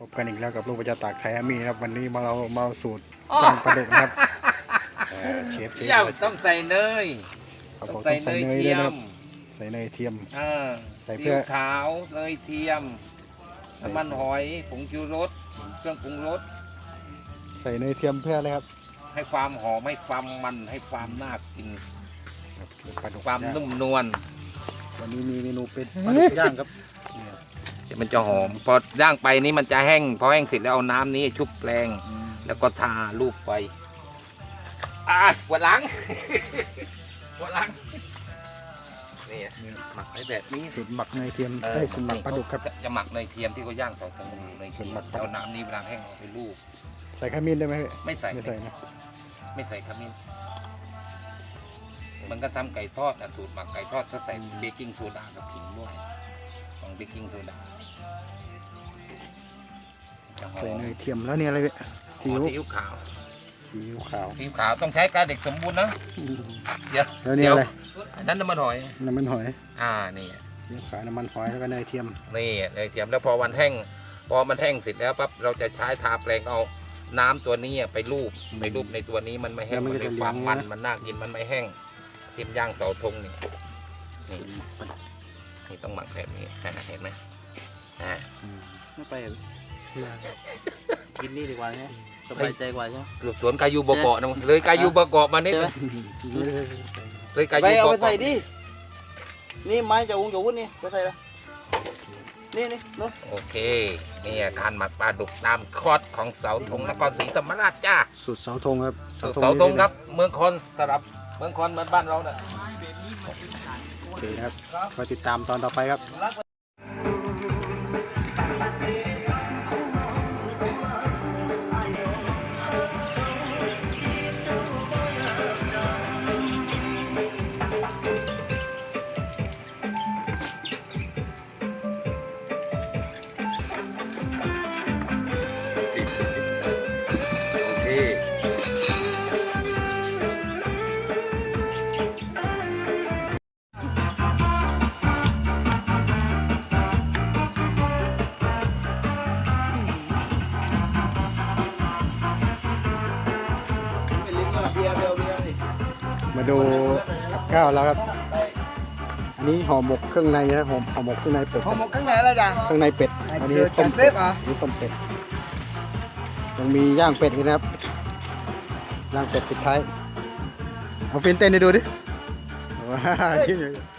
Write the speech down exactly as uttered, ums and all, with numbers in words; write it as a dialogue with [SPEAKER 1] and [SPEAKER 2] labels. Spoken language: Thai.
[SPEAKER 1] บกันอีกแล้วกับลูกประจาตากไทยอามีครับวันนี้มาเรามาสูตรย่างปลาดุกนะครับเชฟเชฟ
[SPEAKER 2] ย่างต้องใส่เนย
[SPEAKER 1] ครับ
[SPEAKER 2] ต้
[SPEAKER 1] ผ
[SPEAKER 2] อง
[SPEAKER 1] ม
[SPEAKER 2] ใส่
[SPEAKER 1] ต้อง
[SPEAKER 2] เน
[SPEAKER 1] ใส่
[SPEAKER 2] ย
[SPEAKER 1] เนย
[SPEAKER 2] เที
[SPEAKER 1] ด้วย
[SPEAKER 2] ย
[SPEAKER 1] นะครั
[SPEAKER 2] ม
[SPEAKER 1] บใส่เนยเทียม
[SPEAKER 2] อ่า
[SPEAKER 1] ใส่
[SPEAKER 2] ซี
[SPEAKER 1] เพื่
[SPEAKER 2] อิ๊
[SPEAKER 1] อ
[SPEAKER 2] วขาวเนยเทียม
[SPEAKER 1] ใส่
[SPEAKER 2] น้ำมันหอยผงชูรสเครื่องปรุงรส
[SPEAKER 1] ใส่เนยเทียมเพื่ออะไรครับ
[SPEAKER 2] ให้ความหอมให้ความมันให้ความน่ากิน
[SPEAKER 1] ปลาดุก
[SPEAKER 2] ความ
[SPEAKER 1] ย่ง
[SPEAKER 2] นุ่มนวล
[SPEAKER 1] วันนี้มีเมนูเป็นปลาดุกย่างครับเนี่ย
[SPEAKER 2] เดี๋ยวมันจะหอมพอย่างไปนี่มันจะแห้งพอแห้งเสร็จแล้วเอาน้ำนี้ชุบแปลง
[SPEAKER 1] อืม
[SPEAKER 2] แล้วก็ทารูปไปอ่าปวดหลัง ปวดหลังนี่หมักไว้แบบนี้
[SPEAKER 1] สูตรหมักเนยเทียมได้สูตรหมักปลาดุกครับ
[SPEAKER 2] จะหมักเนยเทียมที่เขาย่างสองตรงเนยเที
[SPEAKER 1] ส่วน
[SPEAKER 2] ย
[SPEAKER 1] หมั
[SPEAKER 2] ม
[SPEAKER 1] กปลาดุก
[SPEAKER 2] เอาน้ำนี้เวลาแห้งเอาไปลูบ
[SPEAKER 1] ใส่ขมิ้นได้ไหม
[SPEAKER 2] ไม่ใส่
[SPEAKER 1] ไม่ใส่นะ
[SPEAKER 2] ไม่ใส่ขมิ้นมันก็ทำไก่ทอดนะสูตรหมักไก่ทอดก็ใส่เบกกิ้งโซดากับขิงด้วยของเบกกิ้งโซดาจะหอ
[SPEAKER 1] ใส่
[SPEAKER 2] ม
[SPEAKER 1] เนยเทียมแล้วเนี่ยอะไรเนี่ยซีอิ๊ว
[SPEAKER 2] ซีอิ๊วขาว
[SPEAKER 1] ซีอิ๊วขาว
[SPEAKER 2] ซีอิ๊วขาวต้องใช้กาเด็กสมบูรณ์นะเดี๋ยว
[SPEAKER 1] แล้วเนี่ยอะไร
[SPEAKER 2] อันนั้นน้ำมันหอย
[SPEAKER 1] น้ำมันหอย
[SPEAKER 2] อ่านี่
[SPEAKER 1] ซีอิ๊วขาวน้ำมันหอยแล้วก็เนยเทียม
[SPEAKER 2] นี่เนยเทียมแล้วพอวันแห้งพอมันแห้งเสร็จแล้วปั๊บเราจะใช้ทาแปลงเอาน้ำตัวนี้ไปรูปไปรูปในตัวนี้มันไม่แห้งมันมีความมันมันน่ากินมันไม่แห้งเทียมย่างเสาธงนี่นี่นี่ต้องหมักแบบนี้อ่าเห็นไหมอ่า
[SPEAKER 3] ไม่ไปเหรอกินนี่ดีกว่าใช่ไหมสบายใจกว่าใช่ไหม
[SPEAKER 2] สืบสวนกายูบเกาะนะเลยกายูบเกาะมานิด
[SPEAKER 3] ใช่ไหม
[SPEAKER 2] เลยกา
[SPEAKER 3] ไป
[SPEAKER 2] ยู
[SPEAKER 3] เอา
[SPEAKER 2] บ
[SPEAKER 3] ไปใส่
[SPEAKER 2] เกาะ
[SPEAKER 3] ดินี่ไม้จะอุ้งจะวุ้นนี่ไปใส่ละนี่นี่นู้น
[SPEAKER 2] โอเคนี่การหมักปลาดุกตามคอร์สของเสาธงนครศรีธรรมราชจ้า
[SPEAKER 1] สูตรเสาธงครับ
[SPEAKER 2] สูตรเสาธงครับ เมืองคอนสำหรับเมืองคอนเหมือนบ้านเราเนี่ย
[SPEAKER 1] โอเคนะครับมาติดตามตอนต่อไปครับ
[SPEAKER 2] โอเค
[SPEAKER 1] มาดูกับข้าวแล้วครับ อันนี้ห่อหมกเครื่องในนะห่อห่อหมกเครื่องในเป็ด
[SPEAKER 3] ห่อหมกข้างไหนละจ้ะ
[SPEAKER 1] เครื่องในเป็ดอันนี้
[SPEAKER 3] เดี๋ยว
[SPEAKER 1] ต้ม
[SPEAKER 3] จะเซ
[SPEAKER 1] เป็ด
[SPEAKER 3] ฟเหรอ
[SPEAKER 1] อันนี้ต้มเป็ดยังมีย่างเป็ดอีกนะครับย่างเป็ดปิดท้ายเอาฟินเต้นให้ดูดิว้าว